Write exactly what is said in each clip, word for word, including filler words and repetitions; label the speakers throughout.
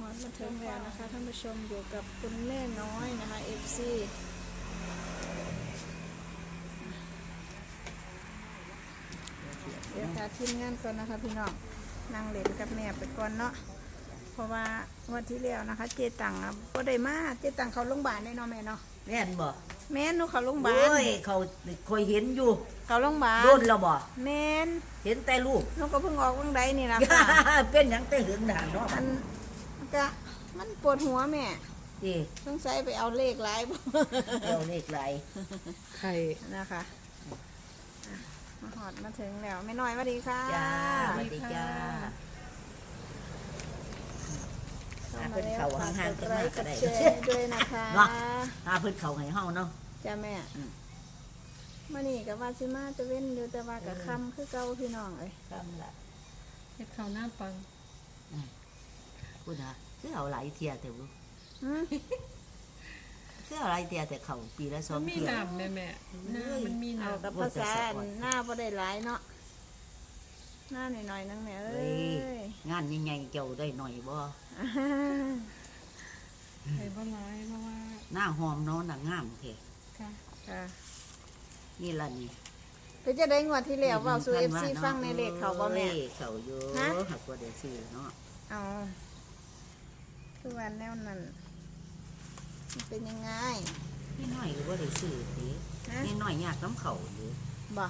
Speaker 1: อดมาถึงแล้วนะคะท่านผู้ชมอยู่กับคุณแม่น้อยนะคะ เอฟ ซี เดี๋ยวค่ะทีมงานก่อนนะคะพี่น้องนั่งเล่นกับแม่ไปก่อนเนาะเพราะว่าวันที่แล้วนะคะ เจตังอ่ะก็ได้มาเจตังเขาโรงพยาบาลได้เนาะแม่เนาะ
Speaker 2: แม่นบ่
Speaker 1: แม่นหนูเขาโรงพยาบา
Speaker 2: โอ้
Speaker 1: ล
Speaker 2: ยเขาคอยเห็นอยู่
Speaker 1: เขาโรงพยาบาล
Speaker 2: โดนแล้วบ่
Speaker 1: แม่น
Speaker 2: เห็นแต่ลูก
Speaker 1: หนูก็เพิ่งออกวันใดนี่ล่ะค่ะ
Speaker 2: เป็นหยังแต่เหลืองด่านเนาะ
Speaker 1: มันก็มันปวดหัวแม่
Speaker 2: ดี
Speaker 1: สงสัยไปเอาเลขหลายบ่
Speaker 2: เดี๋ยวเลขไหล
Speaker 3: ไข่
Speaker 1: นะคะอ่ะมาหอดมาถึงแล้วไม่น้อยสวัสดีค่ะ
Speaker 2: จ้าสวัสดีจ้า
Speaker 1: เข้า
Speaker 2: หา
Speaker 1: มา
Speaker 2: เพิ่น
Speaker 1: แล้ว
Speaker 2: เข้า
Speaker 1: ฝาก
Speaker 2: ห่าง
Speaker 1: ก
Speaker 2: ๆ
Speaker 1: ด
Speaker 2: กัน
Speaker 1: ไล
Speaker 2: มา
Speaker 1: ค์ก
Speaker 2: ก็
Speaker 1: ด
Speaker 2: ได้
Speaker 1: แชร์ด้วยนะคะ
Speaker 2: เนาะ หาเพิ่นเข้าให้เฮาเนาะ
Speaker 1: จ้าแม่
Speaker 2: อืม
Speaker 1: มานี่กับว่าซิมาจะเว้นอยู่แต่ว่ากับคำคือเก่าพี่น้องเอ้ย
Speaker 2: คำละ
Speaker 3: เฮ็ดข้าวหน้าปัง
Speaker 2: พูดนะคือเอาหลายเที่ยแต่บ่
Speaker 1: หืม
Speaker 2: คือเอาหลายเที่ยแต่เข้าปีละสอ
Speaker 3: มั
Speaker 2: ง
Speaker 3: นมี
Speaker 2: เที่ย
Speaker 3: น้ำแม่แม่หน้ามันมี
Speaker 1: เอา
Speaker 3: น้ำ
Speaker 1: กับภาษาหน้าบ่ได้หลายเนาะหน้าหน่อยๆนึงแม่เอ้
Speaker 2: เฮ้ย
Speaker 1: ย
Speaker 2: งานใหญ่ๆเจ้าได้หน่อยบ่
Speaker 1: อ่า
Speaker 3: ไข่บ่ร้ายเพราะว่า
Speaker 2: หน้าหอมเนาะน่ะงามแท้
Speaker 3: ค่ะ
Speaker 1: ค่ะ
Speaker 2: นี่ล่ะนี่
Speaker 1: เป็นจะได้งวดที่แล้วเว้าสู่ เอฟ ซี ฟังในเลขเขาบ่แม่
Speaker 2: เอ้ยเขาอยู่
Speaker 1: ฮะ
Speaker 2: หักบ่ได้ซื้อเนาะ
Speaker 1: เอาคือวันแนวนั้นมันเป็นยังไง
Speaker 2: นี่น้อยก็บ่ได้ซื้อติ
Speaker 1: ฮะ
Speaker 2: นี่น้อยยากน้ำเขาอยู่
Speaker 1: บ่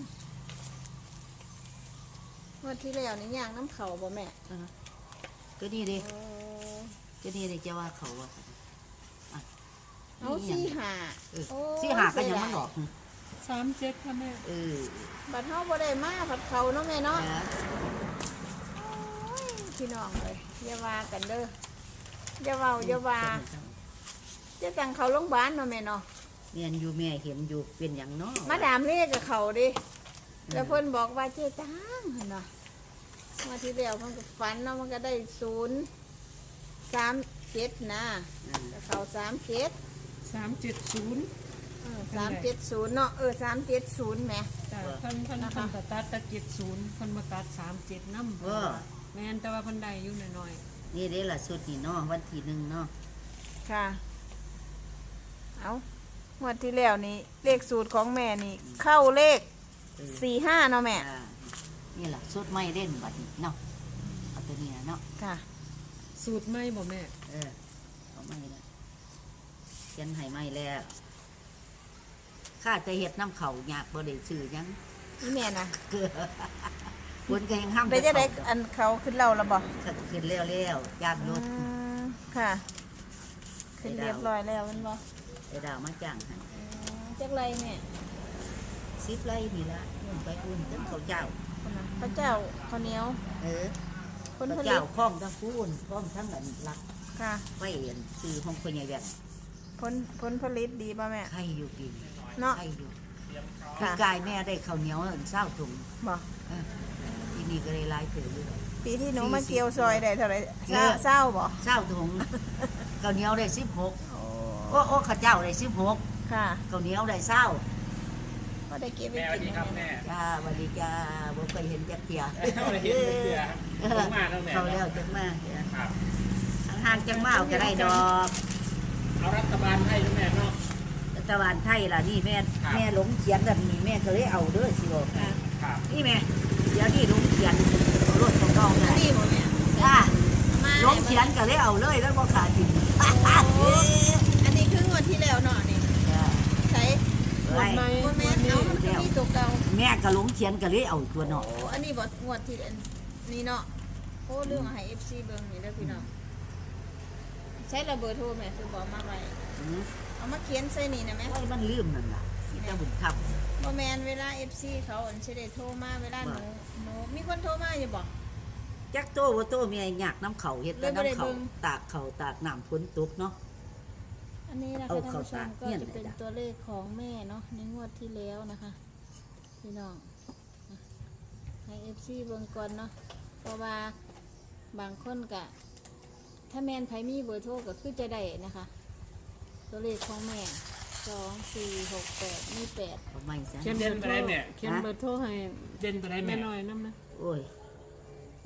Speaker 1: งวดที่แล้วนี่ย่างน้ำเขาบ่แม่
Speaker 2: เออก็นี่เด้
Speaker 1: โอ้
Speaker 2: ก็นี่เด้จะว่าเขาว่า
Speaker 1: เอา
Speaker 2: นี่หยั
Speaker 1: สี่
Speaker 2: ง
Speaker 1: หา
Speaker 2: เออ
Speaker 1: โอ้
Speaker 2: สี่หาก็ยังมันออก
Speaker 3: สามเจ็ดค่ะแม่
Speaker 2: เออ
Speaker 1: บัดเฮาบ่ได้มาผัดเขาเนาะแม่เนาะ
Speaker 2: นะ
Speaker 1: โอ้ยพี่น้องเลยอย่าว่ากันเด้ออย่าเว้าอย่าว่าจะสั่งเขาโรงพยาบาลเนาะแม่เนาะ
Speaker 2: เมียนอยู่แม่เห็นอยู่เป็นอย่างเนาะ
Speaker 1: มาดามเลขกับเขาดิแล้วเพิ่นบอกว่าเจ๊ตังหั่นเนาะมาที่แล้วเพิ่นก็ฝันเนาะมันก็ได้ศูนย์สามเจ็ดนะ
Speaker 2: อืม
Speaker 1: ก็เขาสามเจ็ด
Speaker 3: สามเจ็ดศูนย์
Speaker 1: สามเจ็ดศูนย์เนาะเออสามเจ็ดศูนย์แหม
Speaker 3: จ้ะเพิ่นเพิ่น
Speaker 1: นะคะ
Speaker 3: เพิ่นก็ตัดแตะเจ็ดศูนย์เพิ่นบ่ตัดสามเจ็ดน้ำ
Speaker 2: เออ
Speaker 3: แม่นแต่ว่าเพิ่นได้อยู่หน่อย
Speaker 2: นี่เด้ล่ะสุดนี่เนาะวันที่หนึ่งเนาะ
Speaker 1: ค่ะ เอางวดที่แล้วนี่เลขสูตรของแม่นี่ เข้าเลข
Speaker 2: เออ
Speaker 1: สี่ห้าเนาะแม่
Speaker 2: อ่านี่ล่ะสุดไม่เล่นบัดนี้เนาะเอาตัวนี้นะเนาะ
Speaker 1: ค่ะ
Speaker 3: ๆสูตรใหม่บ่แม่
Speaker 2: เออเอาไม่ละเขียนให้ไม่แล้วข้าจะเฮ็ดน้ำเขาอยากบ่ได้ซื้อหยัง
Speaker 1: นี่แม่นะ
Speaker 2: เกลือคนก็ยังห้าม
Speaker 1: ไปจะได้อันเขาขึ้นเราแล้วบ่
Speaker 2: ขึ้นแล้วแล้วย่างรถ
Speaker 1: อืมค่ะ ขึ้นเรียบร้อยแล้วแมันบ่
Speaker 2: ไอ้ดาวมาจ้างให้
Speaker 1: จักไรแม่
Speaker 2: สิบไร่นี่ละอุ่นไปอุ่นจนเขาเจ้า
Speaker 1: คนน่ะพระเจ้าข้าวเหนียว
Speaker 2: เออ
Speaker 1: คน
Speaker 2: เขา
Speaker 1: ผลิ
Speaker 2: เจ้า
Speaker 1: ต
Speaker 2: คล้องทั้งพูนคล้องทั้งอันรัก
Speaker 1: ค่ะ
Speaker 2: ไว้เอ็นซื้อห้องคนใหญ่แบบ
Speaker 1: ผลผลผลิตดีป่ะแม่
Speaker 2: ไข่อยู่ปีน
Speaker 1: เนาะ
Speaker 2: ไข่อยู่
Speaker 1: ค่ะ
Speaker 2: คือกายแม่ได้ข้าวเหนียวอันเศร้าถุง
Speaker 1: บ่
Speaker 2: เออที่นี่ก็ได้หลายถืออยู่
Speaker 1: ปีที่หนู
Speaker 2: สี่สิบ
Speaker 1: มาเกี่ยวซอยได้เท่าไหร่
Speaker 2: เอ
Speaker 1: เศร้า
Speaker 2: อ
Speaker 1: เศร้าบ่
Speaker 2: เศร้าถุงข้าวเหนียวได้สิบหก
Speaker 1: โอ้
Speaker 2: โอ้โอ้ข้าวเจ้าได้สิบหก
Speaker 1: ค่ะ
Speaker 2: ข้าวเหนียวได้เศร้า
Speaker 1: ก็ได้เก็บไป
Speaker 4: แม่สวัส
Speaker 1: กิ
Speaker 4: ดี
Speaker 1: น
Speaker 4: ครับแม่
Speaker 2: จ้าสวัสดีจ้าบ่เคยเห็นจักเทีย
Speaker 4: เอาเลยเห็นเสือผมมาแล้วแม่
Speaker 2: เขาแล้วจักมา
Speaker 4: ครับ
Speaker 2: ห่างๆจังมาเอาก็ได้ดอก
Speaker 4: เอารัฐบาลให้ด้วยแม่เนาะ
Speaker 2: รัฐบาลไทยล่ะนี่แม่
Speaker 4: ครับ
Speaker 2: แม่หลงเขียนแบบนี้แม่ก็เลยเอาเด้อสิบอก
Speaker 1: ค่ะ
Speaker 4: ครับ
Speaker 2: นี่แม่เดี๋ยวนี่หลงเขียนเอารถของน้อง
Speaker 1: อัน
Speaker 2: ได้
Speaker 1: นี้บ่แม่
Speaker 2: จ้า
Speaker 1: มา
Speaker 2: หลงเขียนก็เลยเอาเลยแล้วบ่ขาดทิม
Speaker 1: อันนี้คืองวดที่แล้วเนาะนี่
Speaker 2: จ้า
Speaker 1: ใช้
Speaker 3: งวดใหม่
Speaker 1: บ่แม่นเอามันก็มีตัวเก่า
Speaker 2: แม่ก็หลงเขียนก็เลยเอาตัวน้อง
Speaker 1: โอ้อันนี้บ่งวดที่อันนี้เนาะโอ้เรื่องให้ เอฟ ซี เบิ่งนี่เด้อพี่น้องใช้ระเบิดโทรแม่คือบอกมาไว้
Speaker 2: อืม
Speaker 1: เอามาเขียนใส่นี่นะแม่
Speaker 2: โอ้ยมันลืมนั่นล่ะที่ตาบุญธรรม
Speaker 1: บ่แม่นเวลา เอฟ ซี เขาอันสิได้โทรมาเวลาหนูหนูมีคนโทรมาอยู่บ่
Speaker 2: จักโตบ่โตแม่ยากน้ำเขาเฮ็ดแต่
Speaker 1: เลยบ่ได้
Speaker 2: น้ำเขา
Speaker 1: เบิ่ง
Speaker 2: ตากเขาตากน้ำฝนตกเนาะ
Speaker 1: อันนี้นะคะ
Speaker 2: เอา
Speaker 1: ท่าน
Speaker 2: เข้า
Speaker 1: ผู้ชม
Speaker 2: ตา
Speaker 1: ก็
Speaker 2: เนี่ย
Speaker 1: จะเป็น
Speaker 2: ไหนจ๊ะ
Speaker 1: ตัวเลขของแม่เนาะในงวดที่แล้วนะคะพี่น้องนะให้ เอฟ ซี เบิ่งก่อนเนาะเพราะว่าบางคนก็ถ้าแม่นไผมีเบอร์โทรก็คือจะได้นะคะ ตัวเลขของแม่สองสี่หกแปดมีแปด
Speaker 2: เอาไม่ซะ
Speaker 3: เขียนเบอร์โทรเขียนเบอร์โทรให้
Speaker 4: เด่นไปได้
Speaker 3: แม่
Speaker 4: แม่
Speaker 3: น้อยนำนะ
Speaker 2: โอ้ย
Speaker 1: ง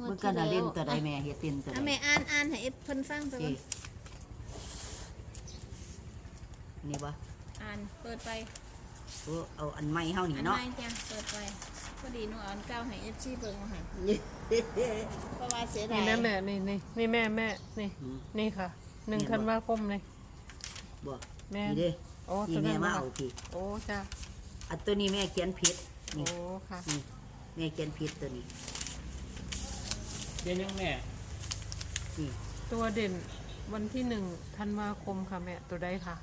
Speaker 1: งวด
Speaker 2: เมื่อ
Speaker 1: ที่
Speaker 2: กันน่ะ
Speaker 1: แล้
Speaker 2: เล่น
Speaker 1: ว
Speaker 2: ตัวใดแม่เฮ็ดเป็นตัวใด
Speaker 1: อ่ะแม่อ่านอ่านให้เอฟเพิ่นฟังไป
Speaker 2: สิ
Speaker 1: ก่อน
Speaker 2: นี่บ่
Speaker 1: อ่านเปิดไป
Speaker 2: โอ้เอาอันใหม่เฮานี่
Speaker 1: อัน
Speaker 2: เนาะ
Speaker 1: ใหม่จ้ะเปิดไปพอดีหนูเอาอันเก่าให้เอฟซีเบิ่งมาให้เพราะว่าเสียดา
Speaker 3: นี่
Speaker 1: ย
Speaker 3: นะแม่นี่นี่นี่แม่แม่นี่
Speaker 2: อืม
Speaker 3: นี่ค่ะหนึ่งธันวาคมนี่
Speaker 2: บ่
Speaker 3: แม่
Speaker 2: นี่เด้
Speaker 3: โอ้
Speaker 2: นี่
Speaker 3: ตัว
Speaker 2: แม่
Speaker 3: นั้น
Speaker 2: มา
Speaker 3: บ่
Speaker 2: เอาพี่
Speaker 3: โอ้จ้า
Speaker 2: อันตัวนี้แม่เขียนผิด
Speaker 3: โอ้
Speaker 2: นี่
Speaker 3: ค่ะ
Speaker 2: นี่แม่เขียนผิดตัวนี้
Speaker 4: เรียนยังแม่
Speaker 2: นี่
Speaker 3: ตัวเด่นวันที่หนึ่งธันวาคมค่ะแม่ตัวใดค่ะ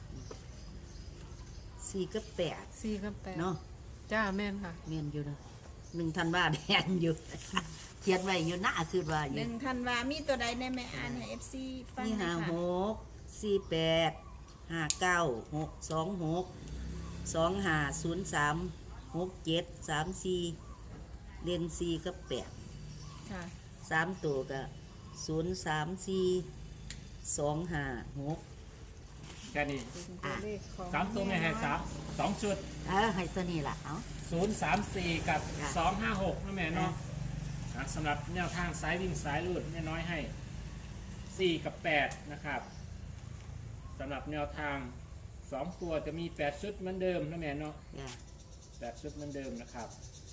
Speaker 2: สี่กับแปด
Speaker 3: สี่กับแปด
Speaker 2: เนาะ
Speaker 3: จ้าแม่นค่ะ
Speaker 2: แม่นอยู่เนาะหนึ่งธันวาแม่นอยู่ เขียนไว้อยู่หน้าคือว่าอ
Speaker 1: ห
Speaker 2: ยู่
Speaker 1: นึ่งธันวามีตัวใดแน่แม่อ่านให้เอฟซีฟัง
Speaker 2: นี่
Speaker 1: หน่
Speaker 2: ห้า
Speaker 1: อย
Speaker 2: ห
Speaker 1: ค่ะ
Speaker 2: กสี่แปดห้าเก้าหกสองหกสองห้าศูนย์สามหกเจ็ดสามสี่เรียนสี่กับแปด
Speaker 1: ค่ะ
Speaker 2: สามตัวก็ศูนย์สามสี่สองห้าหก
Speaker 4: แค่นี้
Speaker 1: ตัวเลขของ
Speaker 4: สามตัวแม่ให้สามสองชุด
Speaker 2: เออให้ตัวนี้ล่ะเอา
Speaker 4: ศูนย์สามสี่กับ
Speaker 2: ค่ะ
Speaker 4: สองห้าหกนะแม่เนาะอ่ะสำหรับแนวทางสายวิ่งสายลูดแม่น้อยให้สี่กับแปดนะครับสำหรับแนวทางสองตัวจะมีแปดชุดเหมือนเดิมนะแม่เนาะ
Speaker 2: จ้ะ
Speaker 4: แปดชุดเหมือนเดิมนะครับ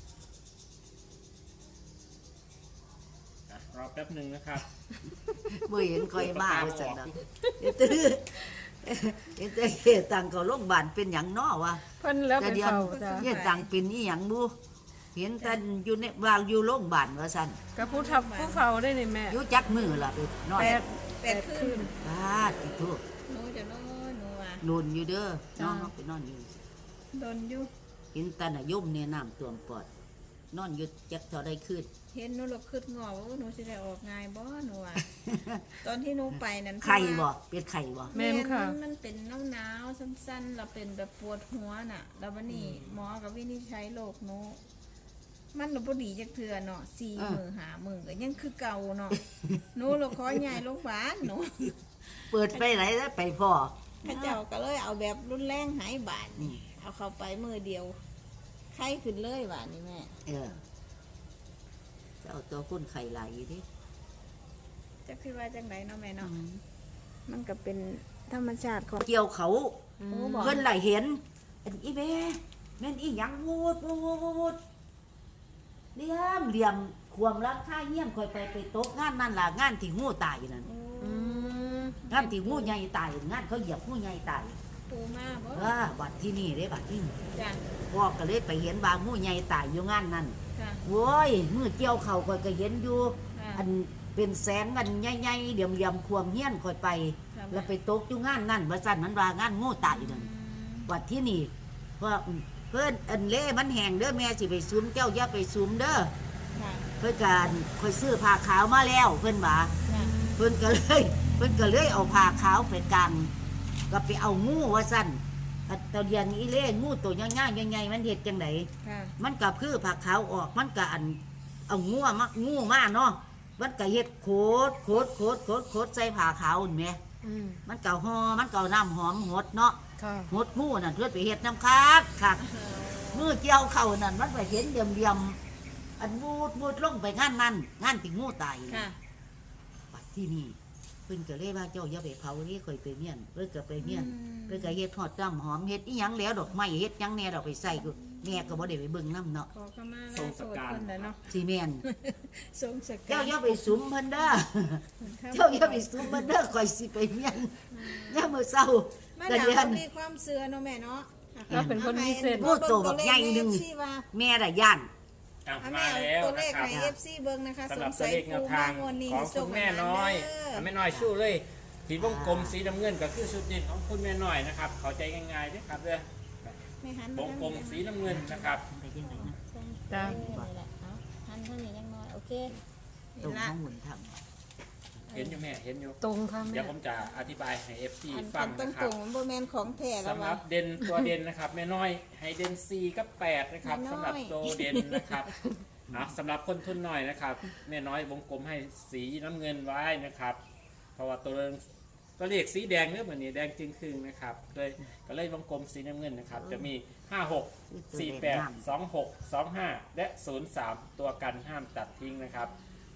Speaker 4: อ่ะรอแป๊บหนึ่งนะครับ
Speaker 2: บ่เห็นคอยมาว่าซั่นดอกเดี๋ยวตื้อเดี๋ยวตื้อเฮ็ดตังเขาโรงพยาบาลเป็นหยังน้อวะ
Speaker 3: เพิ่นแล้ว
Speaker 2: แต่
Speaker 3: ไป
Speaker 2: เดี๋ยว
Speaker 3: เฝ้าจ้า
Speaker 2: เฮ็ดตังเป็นอีหยังบ่เห็นแต่อยู่ในว่าอยู่โรงพยาบาลว่าซั่น
Speaker 3: กับผู้ทับผู้เฝ้าได้นี่แม่
Speaker 2: อยู่จักมือล่ะไปนอน
Speaker 3: แปด
Speaker 1: แปดขึ้น
Speaker 2: บาดอีทุก
Speaker 1: หนูจะโน้นหนูอ่ะ
Speaker 2: โดนอยู่เด้อน้องเขาไปนอนอยู่
Speaker 1: โดนอยู่
Speaker 2: เห็นตาน่ะย่มเนี่ยน้ำท่วมปอด นอนอยู่จักเท่าได้ขึ้น
Speaker 1: เห็นหนูหลบขึ้นงอว่าหนูจะได้ออกง่ายบ่หนูอ่ะ ตอนที่หนูไปนั้น
Speaker 2: ไข่บ่เป็นไข่บ่
Speaker 3: แม่นค่ะ
Speaker 1: มันมันเป็นหนาวหนาวๆสั้นๆเราเป็นแบบปวดหัวน่ะ แล้ววันนี้หมอกับวินิจฉัยโรคหนูมันหนูบ่ดีจักเทื่อเนาะสี่มือหามือก็ยังคือเก่าเนาะ หนูเราขอย้ายโรงพยาบาลหนู
Speaker 2: เปิดไปไหนแล้วไปพ่อ
Speaker 1: พระเจ้าก็เลยเอาแบบรุนแรงหายบาด
Speaker 2: อื
Speaker 1: นี่
Speaker 2: ม
Speaker 1: เอาเข้าไปมือเดียวไข้ขึ้นเลยบาดนี่แม่
Speaker 2: เออจะเอาตัวคนไข่ไหลอยู่ดิ
Speaker 1: จะคิดว่าจังไดเนาะแม่เนาะมันก็เป็นธรรมชาติของ
Speaker 2: เกี่ยวเขา
Speaker 1: โอ้บอก
Speaker 2: เพิ่นไหลเห็นอันอีแม่แม่นอีหยังวูดวูดวูดวูดวูดเหลี่ยมเหลี่ยมความรักค่าเยี่ยมคอยไปไปตกงานนั่นล่ะงานที่งูตายนั่น
Speaker 3: อืม
Speaker 2: งานที่งูใหญ่ตายงานเขาเหยียบงูใหญ่ตาย
Speaker 1: ปูมาบ่
Speaker 2: ว่าบัดที่นี่เด้บัดที่นี่
Speaker 1: จ้ะ
Speaker 2: พ่อก็เลยไปเห็นบางงูใหญ่ตายอยู่งานนั่น
Speaker 1: ค่ะ
Speaker 2: โว้ยมือเกี่ยวเขาคอยก็เห็นอยู่
Speaker 1: ค่ะ
Speaker 2: อันเป็นแสงอันใหญ่ๆเดี่ยมเดี่ยมๆควมเฮี้ยนคอยไป
Speaker 1: ค่ะ
Speaker 2: แล้วไปตกอยู่งานนั่นว่าสั่นมันว่างานงูตายนั่น
Speaker 1: อืม
Speaker 2: บัดที่นี่เพราะเพิ่นอันเล่มันแห้งเด้อแม่สิไปซุมเจ้าอย่าไปซุมเด้อ
Speaker 1: ค่ะ
Speaker 2: เพิ่นการคอยซื้อผ้าขาวมาแล้วเพิ่นว่า
Speaker 1: ค่ะ
Speaker 2: เพิ่นก็เลย เพิ่นก็เลยเอาผ้าขาวไปกางก็ไปเอางูว่าสั่นอันตอนเรียนอีเล่งูตัวย่างๆใหญ่ๆมันเฮ็ดจังได
Speaker 1: ค่ะ
Speaker 2: มันก็คือผ้าขาวออกมันก็อันเอางูมางูมาเนาะมันก็เฮ็ดโคตรโคตรโคตรโคตรโคตรใส่ผ้าขาวอุ่นแหม่
Speaker 3: อืม
Speaker 2: มันก็ห่อมันก็เอาน้ำหอมหดเนาะ
Speaker 3: ค่ะ
Speaker 2: หดงูนั่นเพื่อไปเฮ็ดน้ำคักคักมือเจียวเข่านั่นมันไปเห็นเดียมเดียมๆอันมูดมูดลงไปงานนั่นงานที่งูตาย
Speaker 1: ค่ะ
Speaker 2: ปัดที่นี่เพิ่นก็เลยว่าเจ้าอย่าไปเผานี่ค่อยไปเมียนเพิ่นก็ไปเมียน
Speaker 1: อืม
Speaker 2: เพิ่นก็เฮ็ดฮอดน้ำหอมเฮ็ดอีหยังแล้วดอกไม้เฮ็ดหยังแหน่ดอกไปใส่กูแม่ก็บ่ได้ไปเบิ่งน้ำเนาะ
Speaker 1: ขอขมาลาโทษเพิ่นน่ะเนาะ
Speaker 2: สิแม่น
Speaker 1: ทรงสกัด
Speaker 2: เจ้าอย่าไปสุมเพิ่นเด้อเจ้าอย่าไปสุมเพิ่นเด้อค่อยสิไปเมียนยามมื้อเช้า
Speaker 1: มา
Speaker 2: ก็
Speaker 1: ดาม
Speaker 2: เรียน
Speaker 1: เขามีความเชื่อเนาะแม่เนาะ
Speaker 3: แล้วเป็นคนพิเศษ
Speaker 2: โอ้โตบักใหญ่หนึ่ง
Speaker 1: ที่ว่า
Speaker 2: แม่น่ะย่าน
Speaker 4: อ่ะ
Speaker 1: อ่ะ
Speaker 4: มา
Speaker 1: แม่
Speaker 4: แล้ว
Speaker 1: ตัวเล
Speaker 4: นะ
Speaker 1: ข
Speaker 4: ครับ
Speaker 1: ใน เอฟซีเบิ่งนะคะ
Speaker 4: สำ
Speaker 1: ส
Speaker 4: หรับ
Speaker 1: ง
Speaker 4: ตัว
Speaker 1: สัย
Speaker 4: เลขแน
Speaker 1: ปู
Speaker 4: ว
Speaker 1: มา
Speaker 4: ทาง
Speaker 1: งวดนี้
Speaker 4: ของ
Speaker 1: ส่
Speaker 4: คุ
Speaker 1: ง
Speaker 4: ณ
Speaker 1: มา
Speaker 4: แม่น้อย
Speaker 1: เด้
Speaker 4: อ่ะแม่น้อยสู้เลยสีวงกลมสีน้ำเงินก็คือชุดเด่นของคุณแม่น้อยนะครับเข้าใจง่ายๆเด้อครับเด้อ
Speaker 1: ไม่หัน
Speaker 4: วงกลมสีน้ำเงินนะครับ
Speaker 2: ไปจังไดนะ
Speaker 3: จ้ะ
Speaker 1: นี่แหละเอาหันเท่านี้ยังน้อยโอเค
Speaker 2: ตร
Speaker 1: นี่
Speaker 2: ง
Speaker 1: ละ
Speaker 2: ข้างบนทำ
Speaker 4: เห็นอยู่แม่เห็นอยู่
Speaker 3: ตรงค่ะ
Speaker 4: เดี๋
Speaker 3: แม่
Speaker 4: ยวผมจะอธิบายให้ เอฟ ซี
Speaker 1: อัน
Speaker 4: ฟั
Speaker 1: อั
Speaker 4: ง
Speaker 1: นตรง
Speaker 4: นะค
Speaker 1: ต
Speaker 4: รั
Speaker 1: ร
Speaker 4: บ
Speaker 1: งๆบ่แม่นของแท้แล้ว
Speaker 4: สำห
Speaker 1: วะ
Speaker 4: รับเด่นตัวเด่นนะครับแม่น้อยให้เด่นสี่กับแปดนะครับ
Speaker 1: แม่น้อย
Speaker 4: สำหรับตัวเด่นนะครับอ่ะสำหรับคนทุนหน่อยนะครับแม่น้อยวงกลมให้สีน้ำเงินไว้นะครับ เพราะว่าตัวตัวเลขสีแดงเนี่ยเหมือนนี่แดงจริงครึ่งนะครับเลยก็เลยวงกลมสีน้ำเงินนะครับ จะมีห้าหกสี่แปดสองหกสองห้าและศูนย์สามตัวกันห้ามตัดทิ้งนะครับ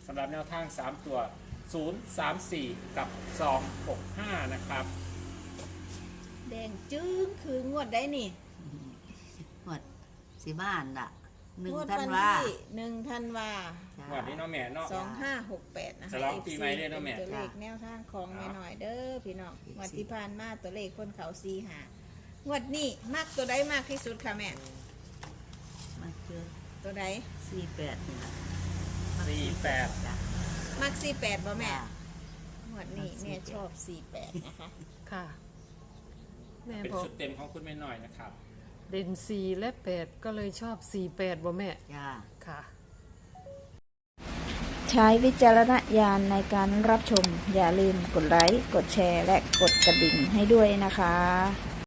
Speaker 4: สำหรับแนวทางสามตัวศูนย์ สาม สี่ กับสอง หก ห้านะครับ
Speaker 1: แดงจึ้งคืองวดได้นี่
Speaker 2: หมดสิบ้านล่ะหนึ่ง
Speaker 1: งวด
Speaker 2: ท่าน
Speaker 1: วัน
Speaker 2: ว่า
Speaker 1: ที่หนึ่งธันวา
Speaker 2: จ้า
Speaker 4: วันนี้เนาะแม่เนาะ
Speaker 1: สองห้าหกแปดนะคะ
Speaker 4: ฉลองปีใหม่ด้วยเนาะแม่
Speaker 1: ตัวเลขแนวทางของแม่หน่อยเด้อพี่น้องงวดที่ผ่านมาตัวเลขคนเขาซีหางวดนี้มากตัวใดมากที่สุดค่ะแม่
Speaker 2: มันคือ
Speaker 1: ตัวใด
Speaker 2: สี่แปดนี่ล่ะ
Speaker 4: สี่แปด
Speaker 2: จ้ะ
Speaker 1: มากสี่แปดบ่แม่
Speaker 2: จ้ะ
Speaker 1: งวดนี้แม่ชอบสี่แปดนะคะ
Speaker 3: ค่ะ แม่
Speaker 4: เป็น
Speaker 3: บอก
Speaker 4: ชุดเต็มของคุณแม่น้อยนะครับ
Speaker 3: เด่นสี่และแปดก็เลยชอบสี่แปดบ่แม่
Speaker 2: จ้า
Speaker 3: ค่ะ
Speaker 1: ใช้วิจารณญาณในการรับชม อย่าลืมกดไลค์ กดแชร์ และกดกระดิ่งให้ด้วยนะคะ